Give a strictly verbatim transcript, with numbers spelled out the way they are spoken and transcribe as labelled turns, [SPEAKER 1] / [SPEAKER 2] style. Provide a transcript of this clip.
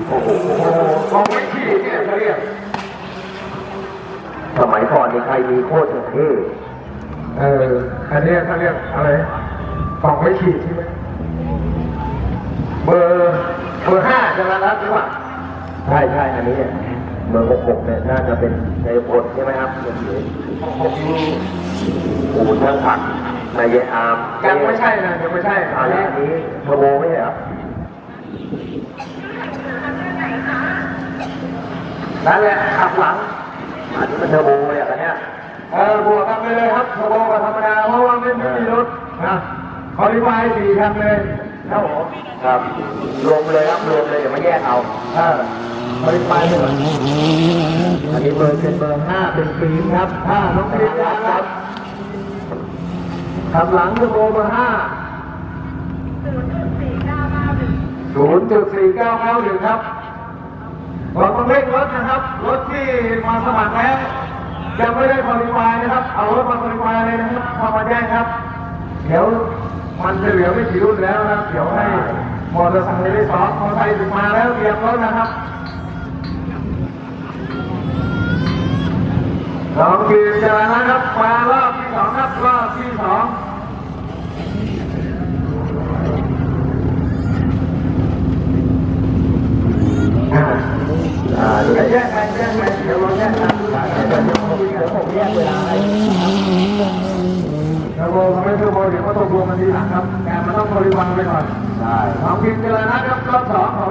[SPEAKER 1] โอ้โหของไม่ขี้เนี่ยเขาเรียกสมัยก่อนนี่ใครมีโคตรเท่เอออันนี้เขาเรียกอะไรของไม่ขี้ใช่ไหมเบอร์เบอร์ห้าใช่ไหมครับหรือเปล่าใช่ใช่อันนี้เบอร์หกหกเนี่ยน่าจะเป็นในพลใช่ไหมครับเบอร์หกปูนทั้งผักนายเยอามยังไม่ใช่นะยังไม่ใช่อันนี้อันนี้เทอร์โบไม่ใช่ครับนั่นแหละขับหลังอันนี้มันเทอร์โบเลยอันเนี้ยเออบวกกันไปเลยครับเทอร์โบกับธรรมดาเพราะว่าไม่มีรถนะคอลิฟายสี่คันเลยครับผมครับรวมเลยครับรวมเลยเดี๋ยวมาแยกเอาเออคอลิฟายเลยอันนี้เบอร์เป็นเบอร์ห้าเป็นปีนครับห้าน้องปีนครับขับหลังเทอร์โบเบอร์ห้าศูนย์จุดสี่เก้าเก้าหนึ่งครับเราต้องเร่งรถนะครับรถที่มาสมัครแล้วยังไม่ได้คอลิฟายนะครับเอารถมาคอลิฟายเลยนะครับพอมาแจ้งครับเดี๋ยวมันจะเหลือไม่กี่รุ่นแล้วนะครับเดี๋ยวให้มอเตอร์ไซค์ได้สองมอเตอร์ไซค์ถึงมาแล้วเตรียมรถนะครับลองกินจะนะครับมารอบที่สองครับรอบที่สองอ่าเดี๋ยวแยกไปแยกไปเดี๋ยวเราแยกกันเดี๋ยวผมแยกเวลาให้เทอร์โบเขาไม่เทอร์โบเดี๋ยวเขาต้องรวมกันทีหลังครับแต่มันต้องบริวารไปก่อนใช่ลองกินจะนะครับรอบสองของ